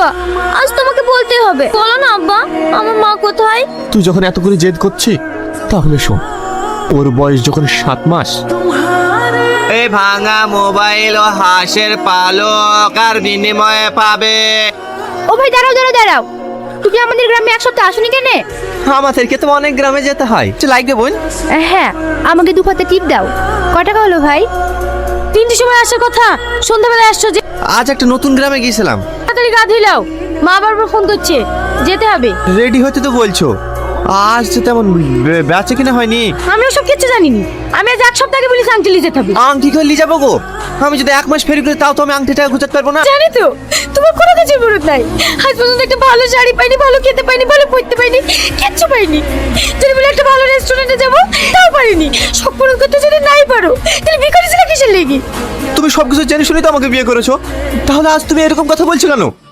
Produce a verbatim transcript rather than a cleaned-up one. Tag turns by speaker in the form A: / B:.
A: আব্বা, আজ তোমাকে বলতে হবে। বলো না আব্বা, আমার মা কোথায়?
B: তুই যখন এত করে জেদ করছিস তাহলে শোন, ওর বয়স যখন সাত মাস।
C: এই ভাঙা মোবাইল ও হাঁসের পালক আর বিনিময়ে পাবে।
A: ও ভাই দাঁড়াও দাঁড়াও দাঁড়াও, তুমি আমাদের গ্রামে এক সপ্তাহ আসনি কেন?
C: আমাদেরকে তো অনেক গ্রামে যেতে হয়। লাইক দে বোন।
A: হ্যাঁ, আমাকে দু পাতে টিপ দাও। কয় টাকা হলো ভাই? তিনটের সময় আসার কথা, সন্ধ্যাবেলায় আসছো যে।
C: আজ একটা নতুন গ্রামে গিয়েছিলাম।
A: তাড়াতাড়ি গা ধুইলাও, মা বারবার ফোন করছে, যেতে হবে।
C: রেডি হতে তো বলছো, আজ তো তেমন বে- বেচা কিনা হয়নি।
A: আমি ওসব কিচ্ছু জানিনি। আমি আজ এক সপ্তাহ আগে বলি আংটি যেতে হবে।
C: আংটি করে নিয়ে যাবো গো। আমি যদি এক মাস ফেরি করি তাও তো আমি আংটিটা গুছাতে পারবো না।
A: জানি তো, তোমার কোনো কিছুর মরদ নাই। আজ পর্যন্ত একটা ভালো শাড়ি পাইনি, ভালো খেতে পাইনি, ভালো পড়তে পাইনি, কিচ্ছু পাইনি। যদি বলে একটা ভালো রেস্টুরেন্টে যাবো, তাও পারিনি। সব পূরণ করতে যদি নাই পারো, তাহলে বিয়ে করেছিলে কিসের লেগে?
C: তুমি সবকিছু জেনে শুনে তো আমাকে বিয়ে করেছো, তাহলে আজ তুমি এরকম কথা বলছো কেন?